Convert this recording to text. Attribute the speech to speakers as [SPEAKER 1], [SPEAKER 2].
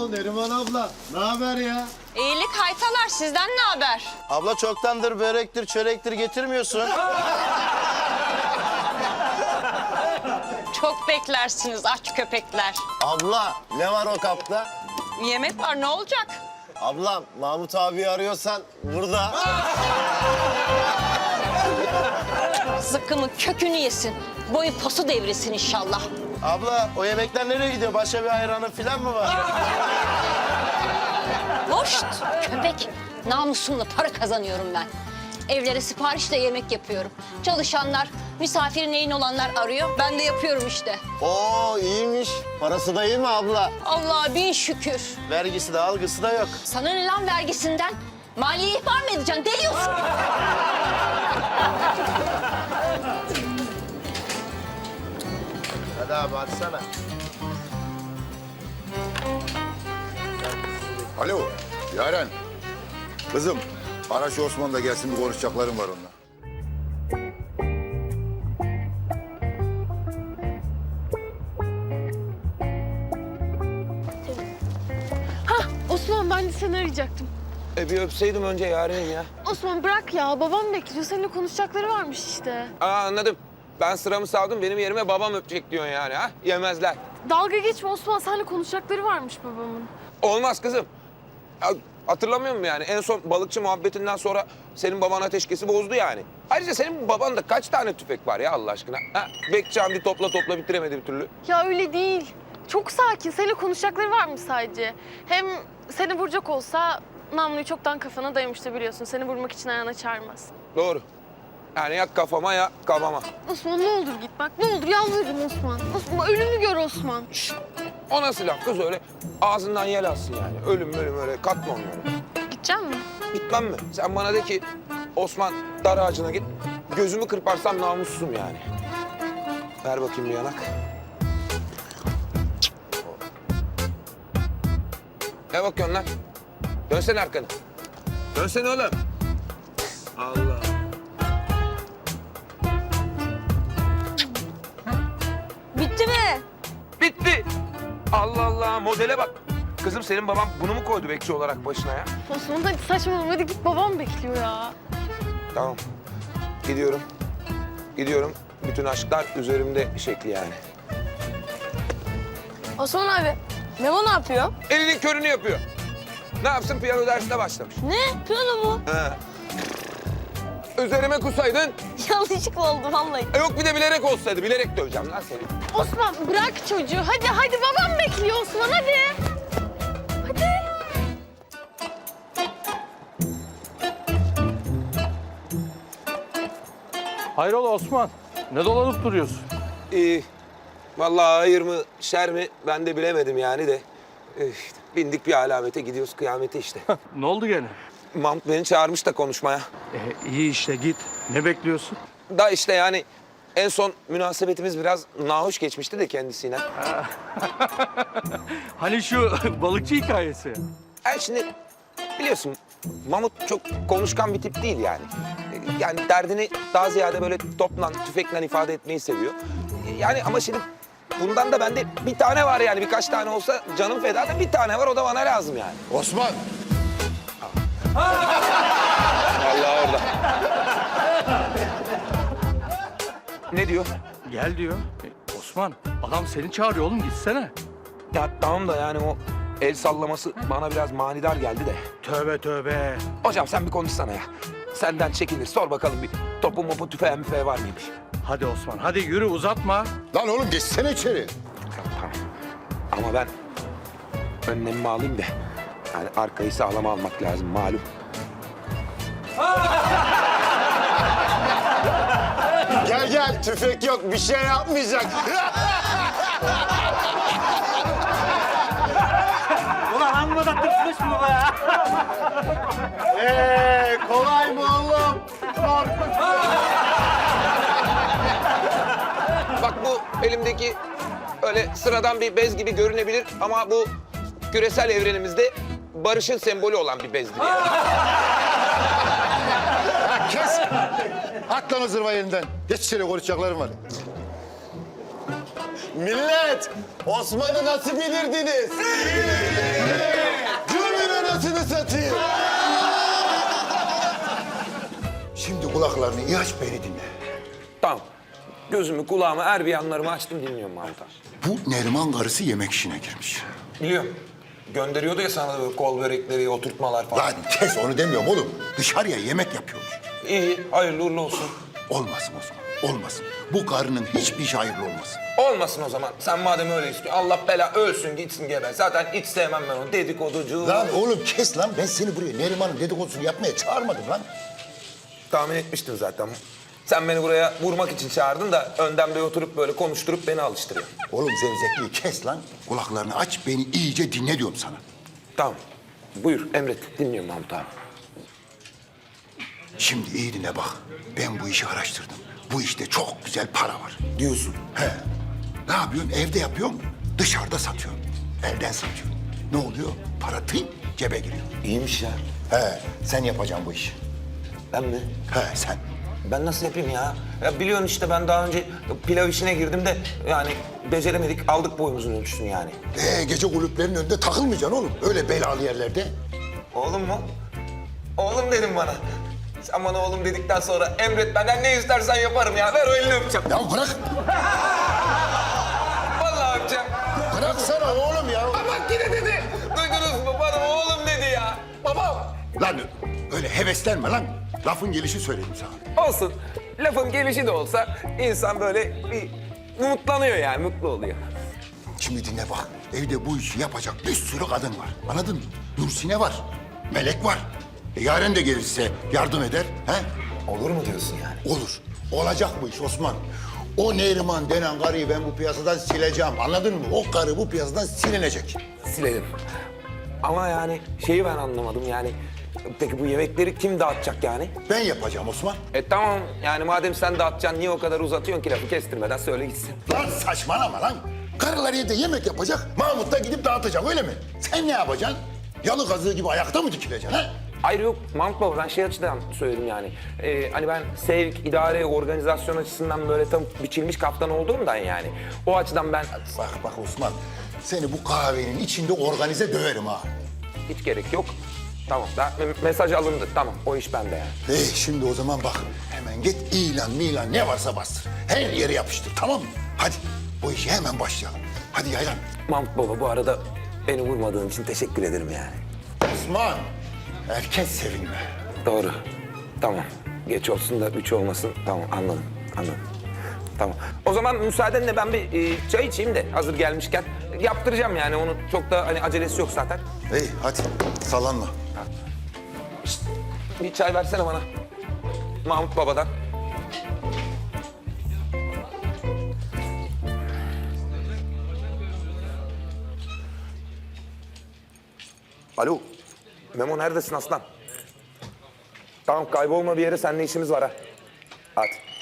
[SPEAKER 1] Oo Neriman abla, ne haber ya?
[SPEAKER 2] İyilik haytalar, sizden ne haber?
[SPEAKER 3] Abla çoktandır börektir, çörektir getirmiyorsun.
[SPEAKER 2] Çok beklersiniz aç köpekler.
[SPEAKER 3] Abla ne var o kapta?
[SPEAKER 2] Yemek var, ne olacak?
[SPEAKER 3] Abla Mahmut abi arıyorsan burada.
[SPEAKER 2] Zıkkımın kökünü yesin. Boyu posu devrilsin inşallah.
[SPEAKER 3] Abla o yemekler nereye gidiyor? Başka bir hayranın falan mı var?
[SPEAKER 2] Hoşt köpek. Namusumla para kazanıyorum ben. Evlere siparişle yemek yapıyorum. Çalışanlar, misafiri neyin olanlar arıyor. Ben de yapıyorum işte.
[SPEAKER 3] Oo iyiymiş. Parası da iyi mi abla?
[SPEAKER 2] Allah'a bin şükür.
[SPEAKER 3] Vergisi de algısı da yok.
[SPEAKER 2] Sana ne lan vergisinden? Maliye ihbar mı edeceksin? Deliyorsun.
[SPEAKER 3] Hadi abi açsana.
[SPEAKER 4] Alo, Yaren. Kızım, ara şu Osman da gelsin, bir konuşacaklarım var onunla.
[SPEAKER 5] Osman ben de seni arayacaktım.
[SPEAKER 6] Bir öpseydim önce Yaren'im ya.
[SPEAKER 5] Osman bırak ya, babam bekliyor. Seninle konuşacakları varmış işte.
[SPEAKER 6] Anladım. Ben sıramı savdım, benim yerime babam öpecek diyorsun yani ha? Yemezler.
[SPEAKER 5] Dalga geçme Osman, seninle konuşacakları varmış babamın.
[SPEAKER 6] Olmaz kızım. Ya, hatırlamıyor musun yani? En son balıkçı muhabbetinden sonra senin baban ateşkesi bozdu yani. Ayrıca senin babanda kaç tane tüfek var ya Allah aşkına? Ha? Bekçi Hamdi topla bitiremedi bir türlü.
[SPEAKER 5] Ya öyle değil. Çok sakin, seninle konuşacakları varmış sadece. Hem seni vuracak olsa namluyu çoktan kafana dayamıştı biliyorsun. Seni vurmak için ayağına çağırmaz.
[SPEAKER 6] Doğru. Yani ya kafama ya kafama.
[SPEAKER 5] Osman ne olur git bak, ne olur yalvarırım Osman. Osman ölümü gör Osman.
[SPEAKER 6] O nasıl laf kız öyle? Ağzından yel alsın yani. Ölüm öyle katma onları.
[SPEAKER 5] Gidecek mi?
[SPEAKER 6] Gitmem mi? Sen bana de ki Osman dar ağacına git. Gözümü kırparsam namussuzum yani. Ver bakayım bir yanak. Ne bakıyorsun lan? Dönsene arkanı. Dönsene oğlum. Allah.
[SPEAKER 2] Bitti mi?
[SPEAKER 6] Bitti. Allah Allah modele bak. Kızım senin baban bunu mu koydu bekçi olarak başına ya?
[SPEAKER 5] Osman hadi saçmalama, hadi git, babam bekliyor ya.
[SPEAKER 6] Tamam. Gidiyorum. Gidiyorum. Bütün aşklar üzerimde şekli yani.
[SPEAKER 5] Osman abi, Memo ne yapıyor?
[SPEAKER 6] Elinin körünü yapıyor. Ne yapsın piyano dersine başlamış.
[SPEAKER 5] Ne? Piyano mu?
[SPEAKER 6] He. Üzerime kusaydın.
[SPEAKER 5] Yanlışlıkla oldu vallahi.
[SPEAKER 6] Yok bir de bilerek olsaydı. Bilerek döveceğim lan seni.
[SPEAKER 5] Osman bırak çocuğu. Hadi babam bekliyor Osman hadi. Hadi.
[SPEAKER 7] Hayrola Osman? Ne dolanıp duruyorsun?
[SPEAKER 6] Vallahi hayır mı şer mi ben de bilemedim yani de. Bindik bir alamete gidiyoruz kıyamete işte.
[SPEAKER 7] Ne oldu gene?
[SPEAKER 6] Mahmut beni çağırmış da konuşmaya.
[SPEAKER 7] İyi işte git. Ne bekliyorsun?
[SPEAKER 6] Da işte yani en son münasebetimiz biraz nahoş geçmişti de kendisiyle.
[SPEAKER 7] Hani şu balıkçı hikayesi.
[SPEAKER 6] Yani şimdi biliyorsun Mahmut çok konuşkan bir tip değil yani. Yani derdini daha ziyade böyle topla, tüfekle ifade etmeyi seviyor. Yani ama şimdi bundan da bende bir tane var yani. Birkaç tane olsa canım feda da bir tane var o da bana lazım yani.
[SPEAKER 4] Osman!
[SPEAKER 6] Allah orada. Ne diyor?
[SPEAKER 7] Gel diyor. Osman adam seni çağırıyor oğlum gitsene.
[SPEAKER 6] Ya tamam da yani o el sallaması bana biraz manidar geldi de.
[SPEAKER 7] Tövbe tövbe.
[SPEAKER 6] Hocam sen bir konuşsana ya. Senden çekinir. Sor bakalım bir topu mopu tüfeği müfeği var mıymış?
[SPEAKER 7] Hadi Osman hadi yürü uzatma.
[SPEAKER 4] Lan oğlum geçsene içeri.
[SPEAKER 6] Tamam. Ama ben önlemimi alayım da. Yani arkayı sağlama almak lazım malum.
[SPEAKER 3] Gel tüfek yok bir şey yapmayacak.
[SPEAKER 7] Ulan amma da tırsmış mı be ya?
[SPEAKER 3] Kolay mı oğlum?
[SPEAKER 6] Bak bu elimdeki öyle sıradan bir bez gibi görünebilir ama bu küresel evrenimizde barışın sembolü olan bir bezdir yani.
[SPEAKER 4] Kes! At lan o zırva yerinden. Geç içeri konuşacaklarım var.
[SPEAKER 3] Millet, Osman'ı nasıl bilirdiniz? Cümle anasını satayım.
[SPEAKER 4] Şimdi kulaklarını iyi aç, beni dinle.
[SPEAKER 6] Tamam. Gözümü, kulağımı, her bir yanlarımı açtım dinliyorum Mahmut abi.
[SPEAKER 4] Bu Neriman karısı yemek işine girmiş.
[SPEAKER 6] Biliyorum. Gönderiyordu ya sana böyle kol börekleri, oturtmalar falan.
[SPEAKER 4] Lan kes, onu demiyorum oğlum. Dışarıya yemek yapıyormuş.
[SPEAKER 6] İyi, hayırlı uğurlu olsun.
[SPEAKER 4] Olmasın Osman, olmasın. Bu karının hiçbir işi hayırlı olmasın.
[SPEAKER 6] Olmasın o zaman. Sen madem öyle istiyorsun, Allah bela ölsün gitsin geber. Zaten hiç sevmem ben onu, dedikoducu.
[SPEAKER 4] Lan oğlum kes lan, ben seni buraya Neriman'ın dedikodusunu yapmaya çağırmadım lan.
[SPEAKER 6] Tahmin etmiştim zaten. Sen beni buraya vurmak için çağırdın da öndemde oturup böyle konuşturup beni alıştırıyor.
[SPEAKER 4] Oğlum zevzekliği kes lan. Kulaklarını aç, beni iyice dinle diyorum sana.
[SPEAKER 6] Tamam. Buyur, emret. Dinliyorum Mahmut abi.
[SPEAKER 4] Şimdi iyi dinle bak. Ben bu işi araştırdım. Bu işte çok güzel para var.
[SPEAKER 6] Diyorsun.
[SPEAKER 4] He. Ne yapıyorsun? Evde yapıyorsun, dışarıda satıyorsun. Elden satıyorsun. Ne oluyor? Para tıyım, cebe giriyor.
[SPEAKER 6] İyiymiş ya.
[SPEAKER 4] He, sen yapacaksın bu işi.
[SPEAKER 6] Ben mi?
[SPEAKER 4] He, sen.
[SPEAKER 6] Ben nasıl yapayım ya? Ya biliyorsun işte ben daha önce pilav işine girdim de yani beceremedik, aldık boyumuzun ölçüsünü yani.
[SPEAKER 4] Gece kulüplerinin önünde takılmayacaksın oğlum. Öyle belalı yerlerde.
[SPEAKER 6] Oğlum mu? Oğlum dedim bana. Sen bana oğlum dedikten sonra emret benden ne istersen yaparım ya. Ver o elini öpeceğim.
[SPEAKER 4] Ya bırak.
[SPEAKER 6] Vallahi öpeceğim.
[SPEAKER 4] Bıraksana oğlum ya.
[SPEAKER 6] Bak yine dedi. Duydunuz mu? Bana oğlum dedi ya. Babam.
[SPEAKER 4] Lan öyle heveslenme lan. Lafın gelişi söyledim sana.
[SPEAKER 6] Olsun. Lafın gelişi de olsa insan böyle bir umutlanıyor yani, mutlu oluyor.
[SPEAKER 4] Şimdi dinle bak. Evde bu işi yapacak bir sürü kadın var. Anladın mı? Nursine var. Melek var. Yaren de gelirse yardım eder. He?
[SPEAKER 6] Olur mu diyorsun yani?
[SPEAKER 4] Olur. Olacak bu iş Osman. O Neriman denen karıyı ben bu piyasadan sileceğim. Anladın mı? O karı bu piyasadan silinecek.
[SPEAKER 6] Silelim. Ama yani şeyi ben anlamadım yani. Peki bu yemekleri kim dağıtacak yani?
[SPEAKER 4] Ben yapacağım Osman.
[SPEAKER 6] Tamam yani madem sen dağıtacaksın niye o kadar uzatıyorsun ki lafı kestirmeden söyle gitsin.
[SPEAKER 4] Lan saçmalama lan. Karılar evde yemek yapacak. Mahmut da gidip dağıtacak öyle mi? Sen ne yapacaksın? Yalı kazığı gibi ayakta mı dikileceksin ha?
[SPEAKER 6] Hayır yok Mahmut Baba ben şey açıdan söyledim yani. Hani ben sevk, idare, organizasyon açısından böyle tam biçilmiş kaftan olduğumdan yani. O açıdan ben
[SPEAKER 4] Bak Osman. Seni bu kahvenin içinde organize döverim ha.
[SPEAKER 6] hiç gerek yok. Tamam da mesaj alındı tamam o iş bende yani.
[SPEAKER 4] Şimdi o zaman bak. Hemen git ilan ne varsa bastır. Her yere yapıştır tamam mı? Hadi bu işe hemen başlayalım. Hadi yaylan.
[SPEAKER 6] Mahmut Baba bu arada beni vurmadığın için teşekkür ederim yani.
[SPEAKER 4] Osman. Erken sevinme.
[SPEAKER 6] Doğru. Tamam. Geç olsun da 3 olmasın. Tamam anladım. Tamam. O zaman müsaadenle ben bir çay içeyim de hazır gelmişken. Yaptıracağım yani onu çok da hani acelesi yok zaten.
[SPEAKER 4] İyi hadi sallanma.
[SPEAKER 6] Bir çay versene bana. Mahmut Baba'dan. Alo. Memo neredesin aslan? Tamam kaybolma bir yere seninle işimiz var ha. Hadi.